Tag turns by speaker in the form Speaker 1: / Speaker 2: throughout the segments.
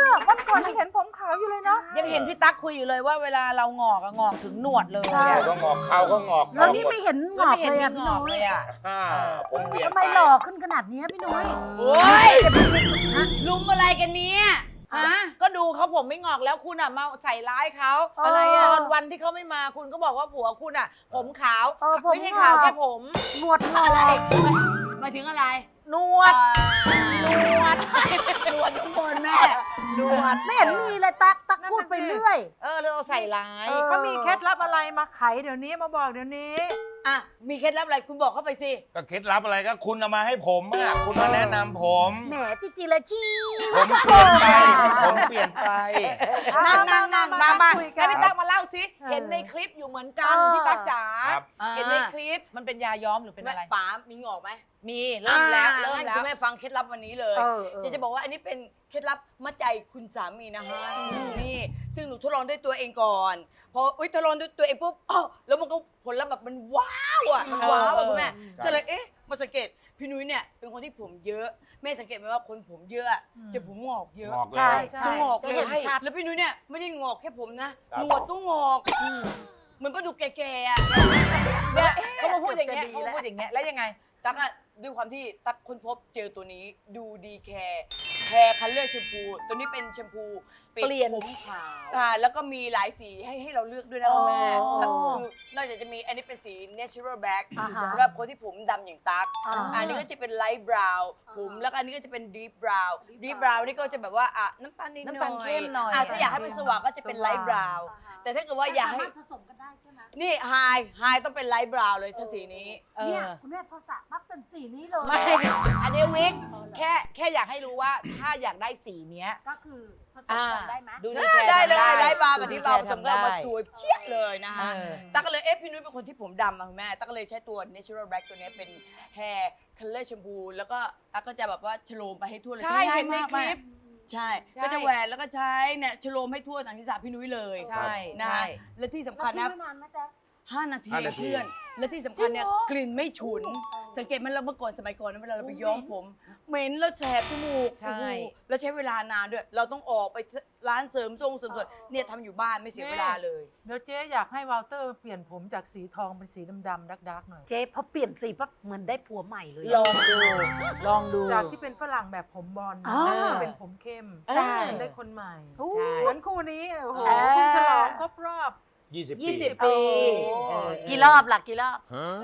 Speaker 1: วันก่อนยังเห็นผมขาวอยู่เลยเนาะ
Speaker 2: ยังเห็นพี่ตั๊กคุยอยู่เลยว่าเวลาเรางอกอะงอกถึงหนวดเลย
Speaker 1: ใช่
Speaker 3: ก็งอกเขาก็งอก
Speaker 4: แล้วนี่ไม่เห็นง
Speaker 2: แล้ว
Speaker 4: อก
Speaker 2: ไม่เห็น
Speaker 4: เลย
Speaker 2: มี
Speaker 4: อ่ะ
Speaker 2: ง
Speaker 4: พี่
Speaker 2: อก
Speaker 4: นุ้
Speaker 2: เลย ยอะ
Speaker 3: ผมเปลี่ยน
Speaker 4: ทำไม
Speaker 3: ไป
Speaker 4: หล่อขึ้นขนาดนี้พี่นุ้ย
Speaker 2: โอ้ยลุมอะไรกันเนี่ยฮะก็ดูเขาผมไม่งอกแล้วคุณอะมาใส่ร้ายเขา
Speaker 4: อะไรอะ
Speaker 2: ตอนวันที่เขาไม่มาคุณก็บอกว่าผัวคุณอะผมขาว
Speaker 4: ผม
Speaker 2: ไม่ใช่ขาวแค่ผม
Speaker 4: หนวดงอก
Speaker 2: หมายถึงอะไรหนวดหนวดหนวดทุกคนแม่หนวด
Speaker 4: ไม่เห็นมีเลยตักพูดไปเรื่อย
Speaker 2: เราใส่ร้าย
Speaker 1: เขามีเคล็ดลับอะไรมาไขเดี๋ยวนี้มาบอกเดี๋ยวนี้
Speaker 2: อ่ะมีเคล็ดลับอะไรคุณบอกเข้าไปสิ
Speaker 3: ก็เคล็ดลับอะไรก็คุณเอามาให้ผมอ่ะคุณมาแนะนำผม
Speaker 4: แหมจิเลยชี้
Speaker 3: ผมเปลี่ยนไปผมเปลี่ยนไป
Speaker 2: นั่งมา
Speaker 1: คุยกัน
Speaker 2: ให้พี่ตั๊กมาเล่าสิเห็นในคลิปอยู่เหมือนกันพี่ตั๊กจ๋า
Speaker 3: ครับ
Speaker 2: เห็นในคลิปมันเป็นยาย้อมหรือเป็นอะไร
Speaker 5: ป๋ามีงอกไหม
Speaker 2: มีเริ่มแล้ว
Speaker 5: งั้นคุณแม่ฟังเคล็ดลับวันนี้เลย
Speaker 4: เออ
Speaker 5: จะบอกว่าอันนี้เป็นเคล็ดลับมัดใจคุณสามีนะฮะนี่ซึ่งหนูทดลองด้วยตัวเองก่อนพอทดลองด้วยตัวเองปุ๊บอ้าวแล้วมันก็ผลลัพธ์แบบมันว้าวอ่ะมันว้าวอ่ะคุณแม่ก็เลยมาสังเกตพี่นุ้ยเนี่ยเป็นคนที่ผมเยอะแม่สังเกตไหมว่าคนผมเยอะจะผมงอกเยอะ
Speaker 3: งอกเล
Speaker 4: ใช่
Speaker 3: ย
Speaker 5: จะงอกเลย
Speaker 4: จะเห็นชัด
Speaker 5: แล้วพี่นุ้ยเนี่ยไม่ได้งอกแค่ผมนะ
Speaker 3: ครับ
Speaker 5: หนวดก็งอกเหมือนป้าดูแก่ๆอ่ะ
Speaker 2: เนี่ยเขามาพูดอย่างเงี้ย
Speaker 4: จะดี
Speaker 2: เขา
Speaker 4: แล้
Speaker 2: มาว พูดอย่างเงี้ยแล้วยังไง
Speaker 5: ตั๊กอะด้วยความที่ตั๊กค้นพบเจอตัวนี้ดูดีแคร์คัลเลอร์แชมพูตัวนี้เป็นแชมพูปิด
Speaker 2: เปลี่ยน
Speaker 5: ผมขาวแล้วก็มีหลายสีให้เราเลือกด้วยนะคุณแม่คือนอกจากจะมีอันนี้เป็นสี natural black สำหรับคนที่ผมดำอย่างตั๊กอันนี้ก็จะเป็น light brown ผมแล้วก็อันนี้ก็จะเป็น deep brown deep brown นี่ก็จะแบบว่าน้ำตาลนิดหน่อย
Speaker 2: น้ำตาลเข้มหน่อย
Speaker 5: ถ้าอยากให้มันสว่างก็จะเป็น light brown แต่ถ้าเกิดว่าอยากให้
Speaker 4: ผสมกันได้ใช่ไหม
Speaker 5: นี่ไฮต้องเป็น light brown เลยถ้าสีนี้
Speaker 4: เนี่ยคุณแม่พอสระปั๊บเป็นสีนี้เลย
Speaker 2: ไม่อันนี้วิกแค่อยากให้รู้ว่าถ้าอยากได้สีเนี้ย
Speaker 4: ก็คือผสมกันได้ไหม
Speaker 2: ดูดีแคร์
Speaker 5: ได้เลย
Speaker 2: ทำ
Speaker 5: ไลฟ์บาร์กับดีบาร์ผสมกันออกมา
Speaker 2: ทำได้
Speaker 5: สวยเชี่ยเลยนะคะ
Speaker 2: เออ
Speaker 5: ตั๊กก็เลยพี่นุ้ยเป็นคนที่ผมดำอะคุณแม่ตั๊กก็เลยใช้ตัว natural black ตัวนี้เป็น hair color shampoo แล้วก็ตั๊กก็จะแบบว่าชโลมไปให้ทั่วเลย
Speaker 2: ใช่
Speaker 5: ง่าย
Speaker 2: เห็นใน
Speaker 5: มาก
Speaker 2: คลิป
Speaker 5: ใช่
Speaker 2: ใช่
Speaker 5: ก็จะแหวนแล้วก็ใช้เนี่ยชโลมให้ทั่วหนังศีรษะพี่นุ้ยเลย
Speaker 2: ใช่
Speaker 5: นะ
Speaker 2: ใช่
Speaker 5: และที่สำ
Speaker 4: แล้ว
Speaker 5: คัญ
Speaker 4: ทิ้
Speaker 5: นะ
Speaker 4: งไว้นานไหมจ๊ะ
Speaker 5: 5 นาที
Speaker 3: 5 นาที
Speaker 5: เพื่อน และที่สำคัญเนี่ยกลิ่นไม่ฉุน สังเกตไหมันเราเมื่อก่อนสมัยก่อนนะเวลาเราไปย้อมผมเหม็นแล้วแสบจมูก
Speaker 2: ใช่
Speaker 5: โอ้โหแล้วใช้เวลานานด้วย เราต้องออกไปร้านเสริมทรงเสริมสวยเนี่ยทำอยู่บ้านไม่เสียเวลาเลย
Speaker 1: เดี๋ยวเจ๊อยากให้วอลเตอร์เปลี่ยนผมจากสีทองเป็นสีดำๆดักๆหน่อย
Speaker 4: เจ๊พอเปลี่ยนสีปั๊บเหมือนได้ผัวใหม่เลย
Speaker 2: ลองดูลองดู
Speaker 1: จากที่เป็นฝรั่งแบบผมบอล
Speaker 4: อ๋อ
Speaker 1: เป็นผมเข้ม
Speaker 4: ใช่
Speaker 1: มันได้คนใหม่
Speaker 2: ใช่
Speaker 1: เหมือนคู่นี้โอ้โห
Speaker 4: เออ
Speaker 1: เพิ่งฉลองครบรอบ
Speaker 3: 20 ปี
Speaker 2: 20 ปี
Speaker 4: กี่รอบล่ะกี่รอบ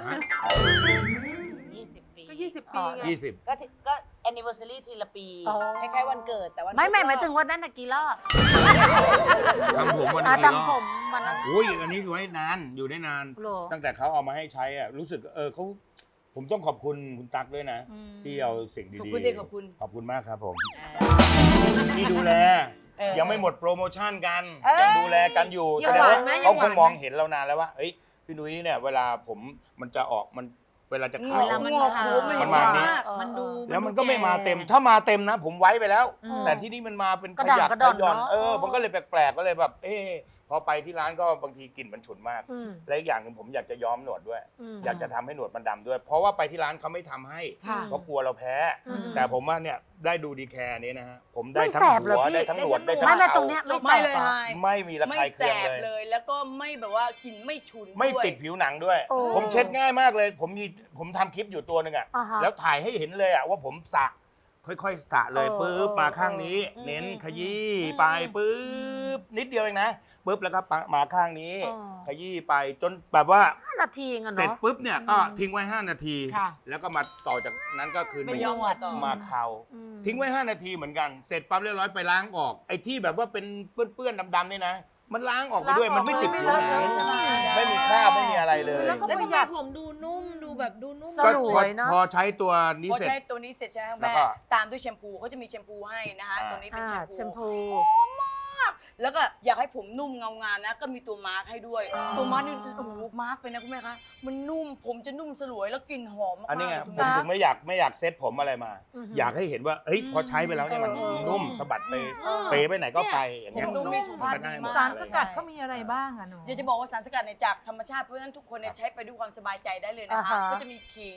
Speaker 2: 20 ปี
Speaker 1: ก็ 20 ปีไง
Speaker 3: 20
Speaker 2: ก็ anniversary ทีละปี
Speaker 4: อ๋อ
Speaker 2: คล้ายๆวันเกิดแต่วัน
Speaker 4: ไม่
Speaker 2: ครบรอบ
Speaker 4: หมายถึงวันนั้นน่ะกี่รอบ
Speaker 3: ทำผมวัน
Speaker 4: อ่ะ
Speaker 3: นี้กี่รอ
Speaker 4: ทำผ
Speaker 3: บ
Speaker 4: มวันนั้น
Speaker 3: อุ้ยอันนี้อยู่ให้นานอยู่ได้นาน
Speaker 4: โหรอ
Speaker 3: ตั้งแต่เขาเอามาให้ใช้อ่ะรู้สึกเขาผมต้องขอบคุณคุณตั๊กด้วยนะ
Speaker 4: อืม
Speaker 3: ที่เอาสิ่งดีๆ
Speaker 5: ขอบคุณดิขอบคุณ
Speaker 3: ขอบคุณมากครับผมที่ดูแล ยังไม่หมดโปรโมชั่นกันยังดูแลกันอยู่
Speaker 2: ยั
Speaker 3: แส
Speaker 2: ง
Speaker 3: ดง
Speaker 2: หวา
Speaker 3: ว่าน
Speaker 2: ไหม
Speaker 3: เขา
Speaker 2: ยังห
Speaker 3: คว
Speaker 2: าง นไหม
Speaker 3: มองเห็นเรานานแล้วว่าเฮ้ยพี่นุ้ยเนี่ยเวลาผมมันจะออกมันเวลาจะขาว
Speaker 5: เวลามันงอกผมมันเห็น
Speaker 3: ประ
Speaker 5: ชั
Speaker 3: มา
Speaker 5: ด
Speaker 3: ณนี้
Speaker 5: มาก
Speaker 2: มันดู
Speaker 3: แล้วมันก็ไม่มาเต็ม ถ้ามาเต็มนะ ผมไว้ไปแล้ว
Speaker 2: อืม
Speaker 3: แต่ที่นี่มันมาเป็น
Speaker 4: กระ
Speaker 3: ข
Speaker 4: ด่าง
Speaker 3: ยัก
Speaker 4: กระ
Speaker 3: ข
Speaker 4: ด่อน
Speaker 3: ย่อน
Speaker 4: เนอะ
Speaker 3: มันก็เลยแปลกๆก็เลยแบบพอไปที่ร้านก็บางทีกลิ่นมันฉุนมาก
Speaker 4: อืม
Speaker 3: และอีกอย่างหนึ่งผมอยากจะย้อมหนวดด้วย
Speaker 4: อืม
Speaker 3: อยากจะทำให้หนวดมันดำด้วย เพราะว่าไปที่ร้านเขาไม่ทำให้
Speaker 2: ค่ะ
Speaker 3: เพราะกลัวเราแพ้
Speaker 4: อืม
Speaker 3: แต่ผมว่าเนี่ยได้ดูดีแคร์นี้นะฮะผมได้
Speaker 4: ไม่
Speaker 3: ทั้ง
Speaker 4: แสบเหรอ
Speaker 3: หัว
Speaker 4: พี่
Speaker 3: ได้ทั้งหนวดได้ทั้ง
Speaker 4: ไม่
Speaker 3: เขา
Speaker 4: ตรงเนี้ยไม่แส
Speaker 5: ไม่
Speaker 4: บ
Speaker 5: เลย
Speaker 4: หรอ
Speaker 5: ไฮ
Speaker 3: ไม่มีระ
Speaker 5: ไม่
Speaker 3: คาย
Speaker 5: แส
Speaker 3: เคือง
Speaker 5: บ
Speaker 3: เลย
Speaker 5: เลย แล้วก็ไม่แบบว่ากลิ่นไม่ฉุน
Speaker 3: ไม่
Speaker 5: ด้วย
Speaker 3: ติดผิวหนังด้วย
Speaker 4: โอ้
Speaker 3: ผมเช็ดง่ายมากเลย ผมทำคลิปอยู่ตัวหนึ่งอ่ะ
Speaker 4: อ่าฮะ
Speaker 3: แล้วถ่ายให้เห็นเลยอ่ะว่าผมสระค่อยๆสระเลย
Speaker 4: เออ
Speaker 3: ปุ๊บ
Speaker 4: เออ
Speaker 3: มาข้างนี้ เน้นขยี้ไปปุ๊บนิดเดียวเองนะปุ๊บแล้วก็มาข้างนี้ ขยี้ไปจนแบบว่า
Speaker 4: 5 นาทีเองอะ
Speaker 3: เสร็จ
Speaker 4: เนาะ
Speaker 3: ปุ๊บเนี่ยก็ทิ้งไว้ 5 นาที
Speaker 2: ค่ะ
Speaker 3: แล้วก็มาต่อจากนั้นก็คือ
Speaker 5: ไม่ย้อมหัวต่อ
Speaker 3: มาเคา
Speaker 4: อืม
Speaker 3: ทิ้งไว้ 5 นาทีเหมือนกัน เสร็จปั๊บเรียบร้อยไปล้างออก ไอ้ที่แบบว่าเป็นเปื้อนๆดำๆนี่นะ มันล้างออกไปด้วย มันไม่ติดผิวหนัง
Speaker 1: ไม่เลอะใช่ไหม
Speaker 3: ไม่มีคราบไม่มีอะไรเลย
Speaker 1: แล้วก็
Speaker 2: แล้ว
Speaker 1: ประ
Speaker 2: ทำ
Speaker 1: ห
Speaker 2: ไม
Speaker 1: ยัด
Speaker 2: ผมดูนุ่มดูแบบดูนุ่ม
Speaker 4: สลวยเนอะ
Speaker 3: พอใช้ตัวนี้
Speaker 5: พอ
Speaker 3: เสร็จ
Speaker 5: ใช้ตัวนี้เสร็จใช่ไหม
Speaker 3: แล้
Speaker 5: แม่
Speaker 3: วก็
Speaker 5: ตามด้วยแชมพูเขาจะมีแชมพูให้นะคะ
Speaker 3: อ่า
Speaker 5: ตัวนี้เป็น
Speaker 4: อ่า
Speaker 5: แชมพู
Speaker 4: แชมพู
Speaker 5: แล้วก็อยากให้ผมนุ่มเงางามนะ ก็มีตัวมาร์คให้ด้วย ตัวมาร์คนี่โอ้โหมาร์คไปนะคุณแม่คะมันนุ่มผมจะนุ่มสลวยแล้วกลิ่นหอมมากๆ
Speaker 3: อันนี้ไง
Speaker 5: คุณ
Speaker 3: ผม
Speaker 5: แม่
Speaker 3: ถึงไม่อยากเซ็ตผมอะไรมา
Speaker 4: อือฮึ
Speaker 3: อยากให้เห็นว่าเฮ้ยพอใช้ไปแล้วเนี่ยมันนุ่มสะบัดไปเปไปไหนก็ไปอย่างเงี้ย
Speaker 5: ผมดูมีสุขภาพดีมาก
Speaker 1: สารสกัดเขามีอะไรบ้างอะหนู
Speaker 5: อยากจะบอกว่าสารสกัดเนี่ยจากธรรมชาติเพราะฉะนั้นทุกคนเนี่ยใช้ไปด้วยความสบายใจได้เลยนะคะ
Speaker 4: อ่าฮะ
Speaker 5: ก็จะมีขิง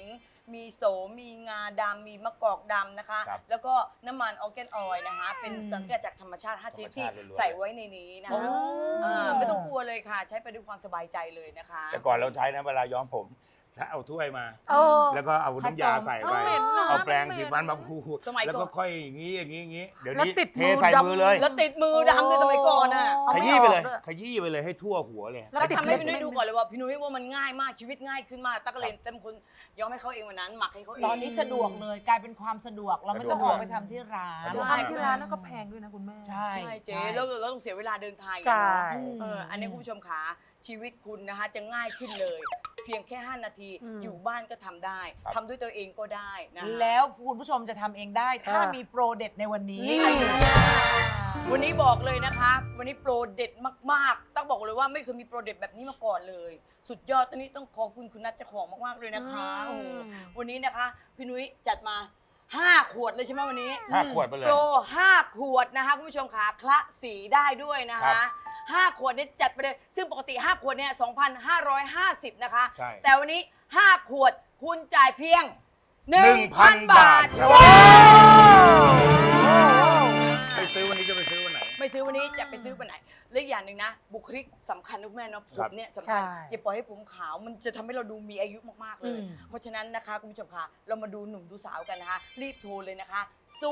Speaker 5: มีโสมมีงาดำมีมะกอกดำนะคะ
Speaker 3: ครับ
Speaker 5: แล้วก็น้ำมันออร์แกนออยล์นะคะ เป็นสารสกัดจากธรรมชาติ5ชนิดที่
Speaker 3: ธรรมชาติล้วนๆ
Speaker 5: ใส่ไว้ในนี้นะคะไม่ต้องกลัวเลยค่ะ ใช้ไปด้วยความสบายใจเลยนะคะ
Speaker 3: แต่ก่อนเราใช้นะเวลาย้อมผมถ้าเอาถ้วยมา
Speaker 4: เออ
Speaker 3: แล้วก็เอาน้ำยาใส่ไป
Speaker 1: เหม็นนะ
Speaker 3: เอาแปรง
Speaker 1: เหม็น
Speaker 3: สีฟันมาพู
Speaker 5: สมัยก่อน
Speaker 3: แล้วก็ค่อยอย่างนี้อย่างนี้อย่างนี้เดี๋ยว
Speaker 4: แล้ว
Speaker 3: นี้
Speaker 4: ติด
Speaker 3: เท
Speaker 4: มือ
Speaker 3: ใส่
Speaker 4: ดำ
Speaker 3: มือเลย
Speaker 5: แล้วติดมือดำด้วยสมัยก่อนอ่ะ
Speaker 4: เอา
Speaker 3: ข
Speaker 4: ไม่
Speaker 3: ยี้ไปเลย
Speaker 4: ออกด้วย
Speaker 3: ขยี้ไปเลยให้ทั่วหัวเลย
Speaker 4: แล้ว
Speaker 5: แล้ว
Speaker 4: ติด
Speaker 5: ทำให้
Speaker 4: เล็บ
Speaker 5: พี่นุ้ยดูก่อนเลยว่าพี่นุ้ยว่ามันง่ายมากชีวิตง่ายขึ้นมากตั๊กก็เลยเป็นคนย้อมให้เขาเองวันนั้นหมักให้เขาเอง
Speaker 2: ตอนนี้สะดวกเลยกลายเป็นความสะดวกเราไม่สะดวกไปทำที่ร้าน
Speaker 3: สะดวก
Speaker 1: ทานที่ร้านแล้วก็แพงด้วยนะคุณแม่
Speaker 2: ใช่
Speaker 5: ใช่เจ๊แล้วเราต้องเสียเวลาเดินทางอีก
Speaker 4: ใช่
Speaker 5: เนอะอันนี้คุณผู้ชมขาชีวิตคุณนะคะจะง่ายขึ้นเลย เพียงแค่ 5 นาที อยู่บ้านก็ทำได้ทำด้วยตัวเองก็ได้นะ
Speaker 2: แล้วคุณผู้ชมจะทำเองได้ถ้ามีโปรเด็ดในวันนี้
Speaker 5: วันนี้บอกเลยนะคะ วันนี้โปรเด็ดมากๆต้องบอกเลยว่าไม่เคยมีโปรเด็ดแบบนี้มาก่อนเลย สุดยอดตอนนี้ต้องขอบคุณคุณนัทเจ้าของมากๆเลยนะคะโอ้โหวันนี้นะคะพี่นุ้ยจัดมา 5 ขวดเลยใช่ไหมวันนี้
Speaker 3: 5 ขวดไปเลย
Speaker 5: โปร5 ขวดนะคะคุณผู้ชมขาคละสีได้ด้วยนะ
Speaker 3: ครั
Speaker 5: คะ
Speaker 3: บ
Speaker 5: 5 ขวดนี้จัดไปเลย ซึ่งปกติ 5 ขวดเนี่ย 2,550 นะคะ
Speaker 3: ใช่
Speaker 5: แต่วันนี้ 5 ขวดคุณจ่ายเพียง
Speaker 3: 1,000
Speaker 5: 1,000 บาท
Speaker 3: ครับ
Speaker 5: ว้าว
Speaker 3: ไปซื้อวันนี้จะไปซื้อวันไหน
Speaker 5: ไม่ซื้อวันนี้จะไปซื้อวันไหนและอีกอย่างหนึ่งนะ บุคลิกสำคัญนะคุณแม่เนาะผมเนี่ยสำคัญ
Speaker 4: ใช่
Speaker 5: อย่าปล่อยให้ผมขาวมันจะทำให้เราดูมีอายุมากๆเลย
Speaker 2: อืม
Speaker 5: เพราะฉะนั้นนะคะคุณผู้ชมค่ะเรามาดูหนุ่มดูสาวกันนะคะ รีบโทรเลยนะคะ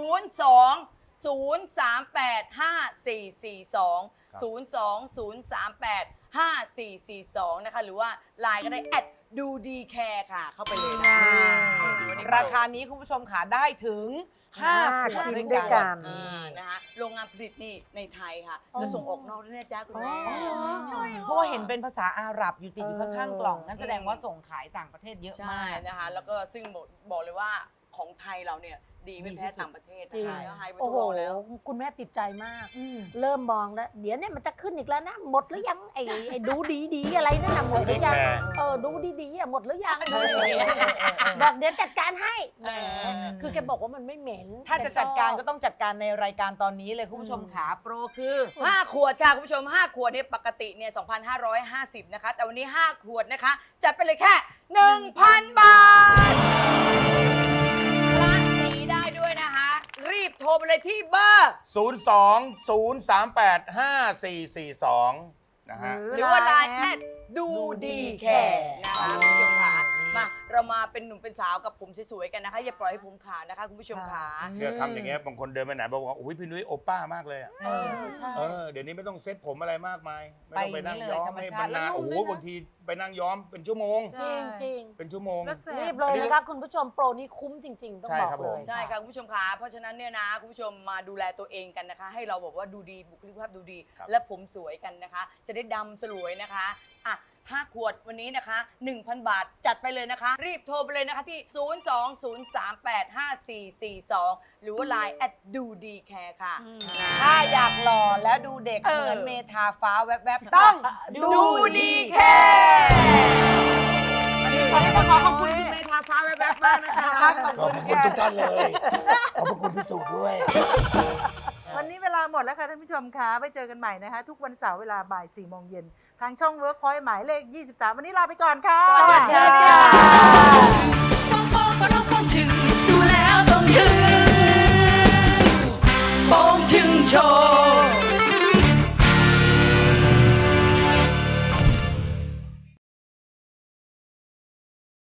Speaker 5: 02-038-5442 นะคะหรือว่าไลน์ก็ได้แอดดูดีแคร์ค่ะ เข้าไปเลยนะคะวันนี้
Speaker 2: ราคานี้คุณผู้ชมขาได้ถึง5 ขวด
Speaker 4: ชิ้น
Speaker 2: ด้
Speaker 4: ด้
Speaker 2: ว
Speaker 4: วย ย
Speaker 2: กั
Speaker 4: กัน น
Speaker 5: นะคะโรงงานผลิตนี่ในไทยค่ะ แล้วส่งออกนอกด้วยนะจ๊ะคุณแม่
Speaker 2: อ๋อเหรอ
Speaker 5: ใช่ค่ะ
Speaker 2: เพราะว่าเห็นเป็นภาษาอาหรับอยู่ติดอยู่ข้างๆกล่องงั้นแสดงว่าส่งขายต่างประเทศเยอะ
Speaker 5: ใช่
Speaker 2: มาก
Speaker 5: นะคะ แล้วก็ซึ่งบอกเลยว่าของไทยเราเนี่ยดีไม่แพ้ต่างประเทศ
Speaker 4: จริง
Speaker 5: นะคะแล้วไฮไป
Speaker 4: โอ้
Speaker 5: ทด
Speaker 4: โห
Speaker 5: ลองแล้ว
Speaker 4: คุณแม่ติดใจมาก เริ่มมองแล้ว เดี๋ยวเนี่ยมันจะขึ้นอีกแล้วนะ หมดหรือยังไอ้ดูดีๆอะไรนั่นน่ะหมดหรือยัง ดูดีๆอ่ะหมดหรือยังบอกเดี๋ยวจัดการให้แหมคือแกบอกว่ามันไม่เหม็น
Speaker 2: ถ้าจะจัดการก็ต้องจัดการในรายการตอนนี้เลยคุณผู้ชมขาโปรคือ
Speaker 5: 5 ขวดค่ะ คุณผู้ชม 5 ขวดเนี่ยปกติเนี่ย 2,550 นะคะ แต่วันนี้ 5 ขวดนะคะ จัดไปเลยแค่ 1,000 บาทคละสีได้ด้วยนะคะ รีบโทรไปเลยที่เบอร์
Speaker 3: 02-038-5442 นะฮะ
Speaker 5: หรือว่าไลน์แอดดูดีแคร์นะคะคุณผู้ชมค่ะมาเรามาเป็นหนุ่มเป็นสาวกับผมสวยๆกันนะคะ อย่าปล่อยให้ผมขาวนะคะคุณผู้ชมค่ะ
Speaker 3: เนี่ยทำอย่างเงี้ยบางคนเดินไปไหนบอกว่าโอ้ยพี่นุ้ยโอป้ามากเลยอะ
Speaker 4: ใช่
Speaker 3: เดี๋ยวนี้ไม่ต้องเซ็ตผมอะไรมากมาย ไม่ต้องไปนั่ง
Speaker 2: ไปอย่างนี้เลย
Speaker 3: ย้อม
Speaker 2: ธรรม
Speaker 3: ให้
Speaker 2: ชาติ
Speaker 3: มันนาน
Speaker 2: แล้วนุ่ม
Speaker 3: โอ้โห
Speaker 2: ด้วยนะ
Speaker 3: บางทีไปนั่งย้อมเป็นชั่วโมง
Speaker 1: ใช่
Speaker 4: จริง
Speaker 3: เป็นชั่วโมง
Speaker 1: แล้วแส
Speaker 4: ๆรี
Speaker 1: บบ
Speaker 4: เลยนะคะคุณผู้ชมโปรนี้คุ้มจริง ๆ ต้อง
Speaker 3: ใช่
Speaker 4: บอก
Speaker 3: ครับ
Speaker 4: เล
Speaker 3: ผม
Speaker 4: ย
Speaker 5: ใช่ค่ะคุณผู้ชมค่ะเพราะฉะนั้นเนี่ยนะคุณผู้ชมมาดูแลตัวเองกันนะคะ ให้เราบอกว่าดูดีบุคลิกภาพดูดี
Speaker 3: ครับ
Speaker 5: และผมสวยกันนะคะ จะได้ดำสลวยนะคะอ่ะ5 ขวดวันนี้นะคะ 1,000 บาทจัดไปเลยนะคะ รีบโทรไปเลยนะคะที่ 02-038-5442 หรือว่า Line แอดดูดีแคร์ค่ะ
Speaker 2: ถ้าอยากหล่อแล้วดูเด็ก
Speaker 5: เออ
Speaker 2: เหมือนเมทาฟ้าแวบๆต้อง
Speaker 5: ดูดีแคร์วันนี้ขอขอบคุณคุณเมธาฟ้าแวบๆมากนะคะ
Speaker 3: ขอบคุณทุกท่านเลย ขอบคุณพิสูจน์ด้วย
Speaker 1: วันนี้เวลาหมดแล้วค่ะท่านผู้ชมคะไปเจอกันใหม่นะคะ ทุกวันเสาร์เวลาบ่าย 4 โมงเย็น ทางช่อง Workpoint หมายเลข 23 วันนี้ลาไปก่อนค่ะ
Speaker 5: สวัสดีค่ะ
Speaker 6: ดูแล้วต้องถึงโป้งชึงโชว์